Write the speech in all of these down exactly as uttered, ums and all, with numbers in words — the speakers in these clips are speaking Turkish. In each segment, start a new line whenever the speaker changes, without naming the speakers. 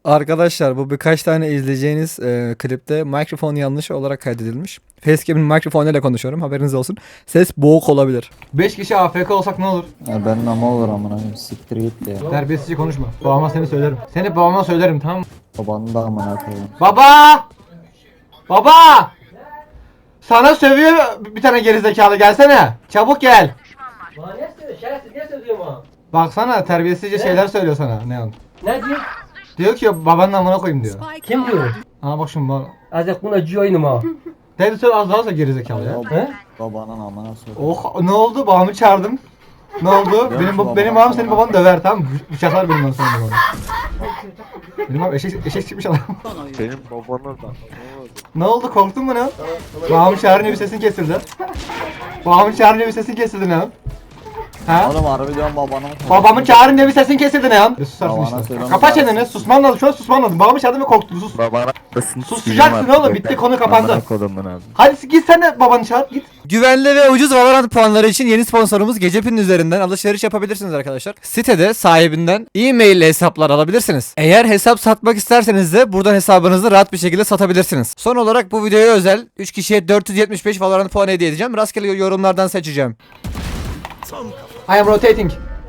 Arkadaşlar bu birkaç tane izleyeceğiniz e, klipte mikrofon yanlış olarak kaydedilmiş. Facecam'in mikrofonuyla konuşuyorum, haberiniz olsun. Ses boğuk olabilir. beş kişi A F K olsak ne olur?
Ya benim ama olur amına koyayım, siktir git ya.
Terbiyesizce konuşma. Babama seni söylerim. Seni babama söylerim, tamam mı?
Babanı da amına koyayım.
Baba! Baba! Sana sövüyor bir tane gerizekalı, gelsene. Çabuk gel.
Bana ne söylüyor? Şerefsiz ne söylüyor bana?
Baksana terbiyesizce şeyler söylüyor sana Neon.
Ne diyor?
Diyor ki babanın amına koyayım diyor.
Kim diyor?
Aa bak şimdi bana.
Azıcık buna ciyoyunum ha.
Dedi söyle az daha sonra gerizekalı ya.
He?
Babanın amına söyle.
Oh ne oldu? Babamı çağırdım. Ne oldu? benim
babam-
benim babam senin babanı döver, tamam mı? Bıçaklar benim babam senin babanı. Benim babam eşek, eşek çıkmış adam.
Benim babana da.
Ne oldu? Korktun mu ne? Babamı çağırınca bir sesin kesildi. Babamı çağırınca bir sesin kesildi ne? Ha?
Oğlum harbi diyorum babanın.
Babamı çağırınca bir sesin kesildi ne? Ya susarsın
Babana
işte.
söyle,
Kapat
onu
çeneni.
çağırsın.
Susman lazım. Şu an susman lazım. Babamı çağırdın ve korktun. Sus.
Babana
Susacaksın oğlum. Bitti, konu kapandı.
Kodumun abi.
Hadi git sen de babanı çağır. Git. Güvenli ve ucuz Valorant puanları için yeni sponsorumuz Gecepi'nin üzerinden alışveriş yapabilirsiniz arkadaşlar. Sitede sahibinden e-mail ile hesaplar alabilirsiniz. Eğer hesap satmak isterseniz de buradan hesabınızı rahat bir şekilde satabilirsiniz. Son olarak bu videoya özel üç kişiye dört yüz yetmiş beş Valorant puanı hediye edeceğim. Rastgele yorumlardan seçeceğim. I am rotating.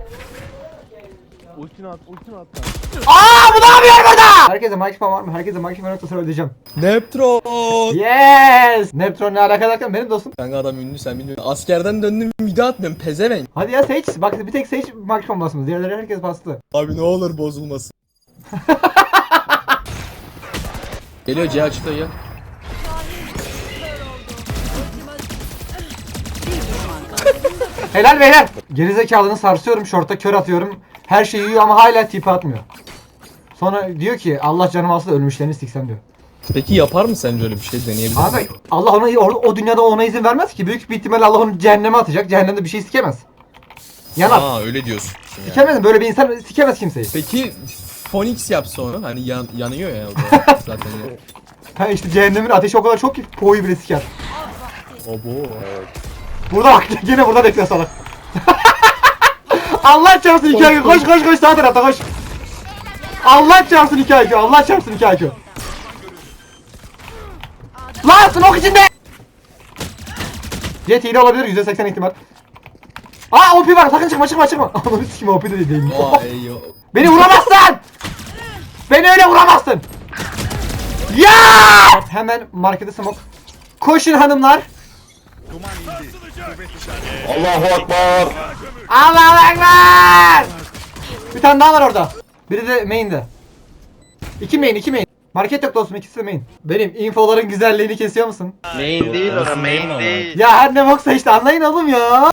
Ultini at, ultini at.
Aa bu ne yapıyor burada? Herkese mikrofon var mı? Herkese mikrofon yoksa söyleyeceğim.
Neptron.
Yes! Neptron ne alaka derken benim dostum.
Kanka adam ünlü sen bilmiyorsun. Askerden döndüm mide atmıyorum pezevenk.
Hadi ya Sage. Bak bir tek Sage mikrofon basmaz. Diğerleri herkes bastı.
Abi ne olur bozulmasın. Geliyor C açıkta ya.
Helal beyler. Gerizekalını sarsıyorum, şorta kör atıyorum. Her şeyi yiyor ama hala tipi atmıyor. Sonra diyor ki Allah canım alsa da ölmüşlerini siksem diyor.
Peki yapar mı sence öyle bir şey deneyebilir misin?
Abi Allah ona o, o dünyada ona izin vermez ki. Büyük bir ihtimalle Allah onu cehenneme atacak. Cehennemde bir şey sikemez. Yanar.
Aa öyle diyorsun. Yani.
Sikemez. Böyle bir insan sikemez kimseyi.
Peki Phoenix yapsa onu hani yan, yanıyor ya o da zaten. Ya.
Ha işte cehennemin ateşi o kadar çok ki poğu bile siker.
Obo.
Burada bak gene burada bekliyor salak. Allah çarpsın iki I Q. Koş koş koş sağ tarafta koş. Allah çarpsın iki I Q. Allah çarpsın iki I Q. Lan smoke içinde. Jet hile olabilir yüzde seksen ihtimal. Aa O P var, sakın çıkma çıkma çıkma. Ananı sikim O P de değil.
Vay yo.
Beni vuramazsın. Beni öyle vuramazsın. Ya! Hemen markete smoke. Koşun hanımlar.
Allahu Ekber.
Allahu Ekber! Bir tane daha var orada. Biri de main'de. İki main, iki main. Market yok dostum, ikisi de main. Benim infoların güzelliğini kesiyor musun?
Main değil ona, main değil.
Ya her ne boksa işte anlayın oğlum ya.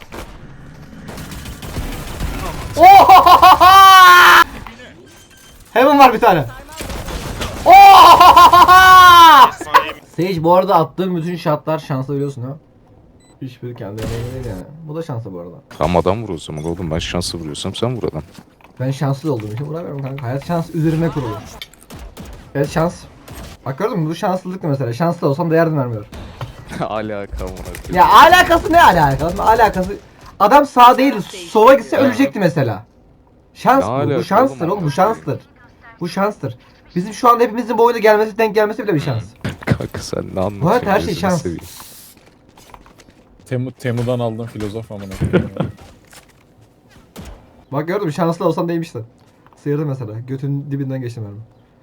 Ohohohoho! Heaven var bir tane. Ohohohoho! Sage bu arada attığım bütün shotlar şanslı biliyorsun ha. Hiçbiri kendi emeğine değil yani. Bu da şanslı bu arada.
Tam adam vur o zaman oğlum, ben şansı vuruyorsam sen vur adam.
Ben şanslı olduğum için vuramıyorum kanka. Hayat şans üzerine kurulu. Evet şans. Bak gördün mü bu şanslılık mesela. Şanslı olsam da yardım vermiyor.
Alaka mı?
Ya alakası ne alakası? Alakası. Adam sağ değil, sola gitse ölecekti mesela. Şans
Ne
bu.
alaka
Bu şanstır
oğlum?
oğlum. Bu şanstır. Bu şanstır. Bizim şu anda hepimizin bu oyuna gelmesi, denk gelmesi bile bir şans.
Kanka sen ne anlatıyorsun?
Bu hayat her şey
gözünü
şans.
seveyim.
Temu, Temu'dan aldığım filozof amına koyayım.
Bak gördün mü şanslı olsan değmişti. Sıyırdı mesela. Götün dibinden geçti mermi.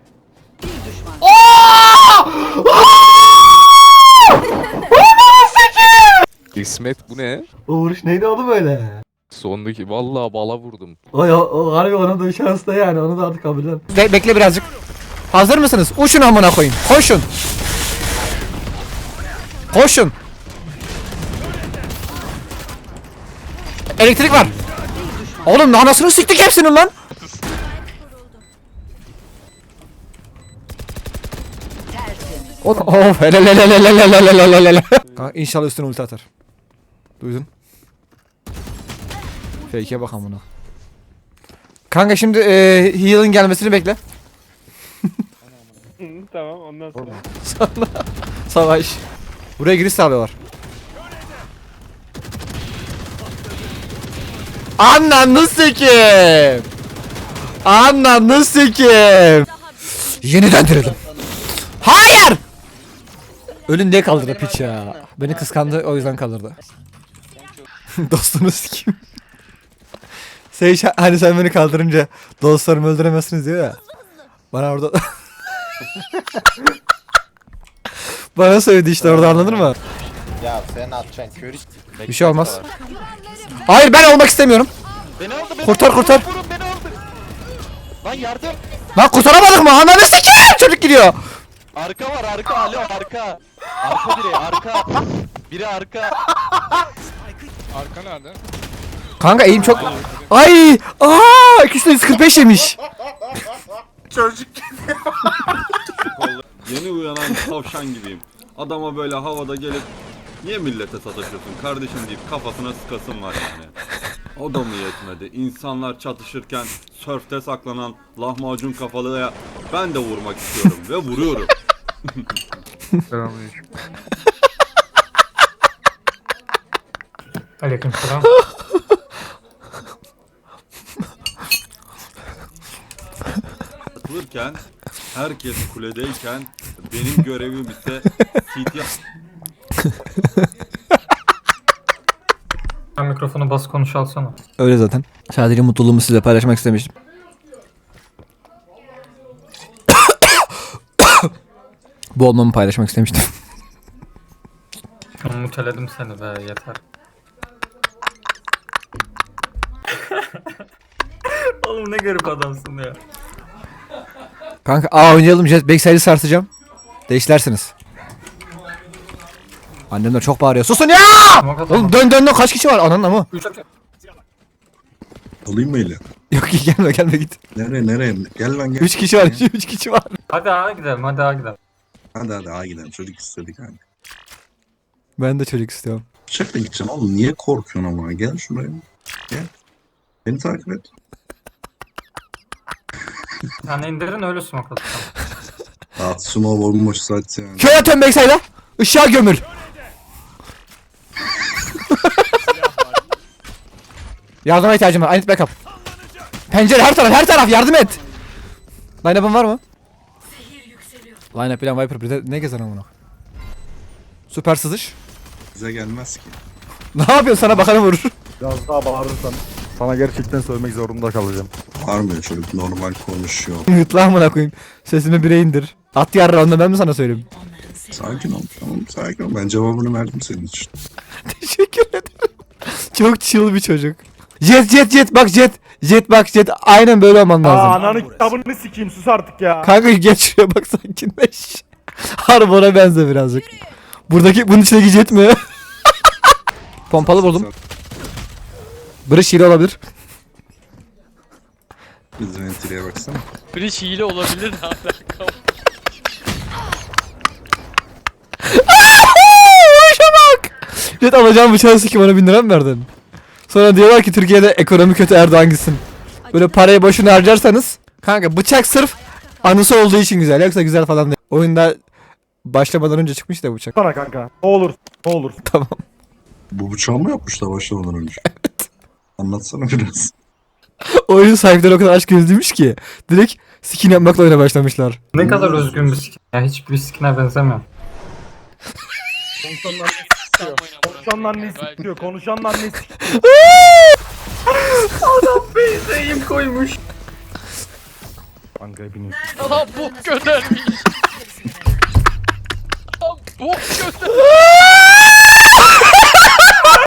İsmet bu ne?
O vuruş neydi oğlum öyle?
Sondaki vallahi bala vurdum.
O, o, o harbi onun da bir şans da yani. Onu da artık kabul eden. Be bekle birazcık. Hazır mısınız? Uçun amına koyayım. Koşun. Koşun. Elektrik var. Oğlum anasını siktik hepsinin lan. Of hele hele hele hele hele hele hele. İnşallah üstüne ulti atar. Duydun? Fake'e bak amına. Kanka şimdi eee heal'ın gelmesini bekle.
Tamam ondan sonra.
Sonra savaş. Buraya giriş sağlıyorlar. Ananı sikeyim. Ananı sikeyim. Yeniden direlim. Hayır! Ölün diye kaldırdı piç ya. Beni kıskandı o yüzden kaldırdı. Dostunu sikeyim. Şey hani sen beni kaldırınca dostlarımı öldüremezsiniz diyor ya. Bana orada... Bana söyledi işte orada, anladın mı?
Ya sen atacaksın körü.
Bir şey olmaz. Hayır, ben olmak istemiyorum.
Beni aldı beni.
Kurtar, kurtar.
Vurun beni aldı. Lan yardım.
Lan kurtaramadık mı? Ananı sikeyim! Çocuk gidiyor.
Arka var arka alo arka. Arka biri arka. Biri arka.
Arka nerede?
Kanka eğim çok... Ay! Aaa! iki yüz kırk beş yemiş.
Yeni uyanan tavşan gibiyim. Adama böyle havada gelip niye millete sataşıyorsun kardeşim deyip kafasına sıkasım var yani. O da mı yetmedi? İnsanlar çatışırken sörfte saklanan lahmacun kafalıya ben de vurmak istiyorum ve vuruyorum.
Selamünaleyküm.
Aleykümselam.
Atılırken herkes kuledeyken benim görevim ise C T
Sen mikrofonu bas konuş alsana.
Öyle zaten. Sadece mutluluğumu size paylaşmak istemiştim. Bu olmamı paylaşmak istemiştim.
Muteledim seni be yeter. Oğlum ne garip adamsın ya.
Kanka aa oynayalım, jet backside'i sarsacağım. Değişlersiniz. Annem de çok bağırıyor. Susun ya! Oğlum dön dön dön, kaç kişi var ananın ama?
Alayım mı eli?
Yok gelme gelme git.
Nereye nereye? Gel lan gel.
üç kişi var, üç kişi var.
Hadi ağa gidelim hadi ağa gidelim.
Hadi hadi ağa gidelim. Çocuk istedik hani.
Ben de çocuk istiyorum.
Bıçakla gideceğim oğlum. Niye korkuyorsun ama? Gel şuraya. Gel. Beni takip et.
Yani indirin öyle smoke atalım.
At smoke bomboş zaten yani.
Köy atıyorum backside'a. Işığa gömül. Yardıma ihtiyacım var. I need backup. Pencere her taraf her taraf yardım et. Line-up'ın var mı? Line-up bilen Viper bir de ne gezer amına. Süper sızış.
Bize gelmez ki.
Ne yapıyorsun, sana bakanı vurur.
Biraz daha bağırırsan sana gerçekten söylemek zorunda kalacağım.
Bağırmıyor çocuk. Normal konuşuyor.
Yut lan amına koyayım. Sesimi bire indir. At yarra, onu da ben mi sana söyleyeyim?
Sakin ol. Tamam sakin ol. Ben cevabını verdim senin için.
Teşekkür ederim. Çok chill bir çocuk. Jet jet jet bak jet. Jet bak jet. Aynen böyle olman lazım.
Aa ananı kitabını sikeyim, sus artık ya.
Kanka geç şuraya bak, sakinleş. Harbi ona benze birazcık. Buradaki bunun içindeki jet mi? Pompalı buldum. Bridge hile olabilir.
Biz ventileye baksana.
Bridge hile olabilir ne alaka?
Vuruşa bak. Jet alacağım bıçağı sikim, ona bin lira mı verdin? Sonra diyorlar ki Türkiye'de ekonomi kötü, Erdoğan gitsin. Böyle parayı boşuna harcarsanız. Kanka bıçak sırf anısı olduğu için güzel, yoksa güzel falan değil. Oyunda başlamadan önce çıkmış da bıçak.
Sana kanka. Ne olur, ne olur.
Tamam.
Bu bıçağı mı yapmışlar başlamadan önce? Evet. Anlatsana biraz.
Oyun sahipleri o kadar aşk gözlüymüş ki direkt skin yapmakla oyuna başlamışlar.
Ne kadar özgün bir skin. Ya hiçbir skine benzemiyor.
Konuşanlar ne sikiyor, konuşanlar ne sikiyor.
Adam benzeyim koymuş.
Kanka hepiniz.
Lan bok göndermiş. Lan bok göndermiş.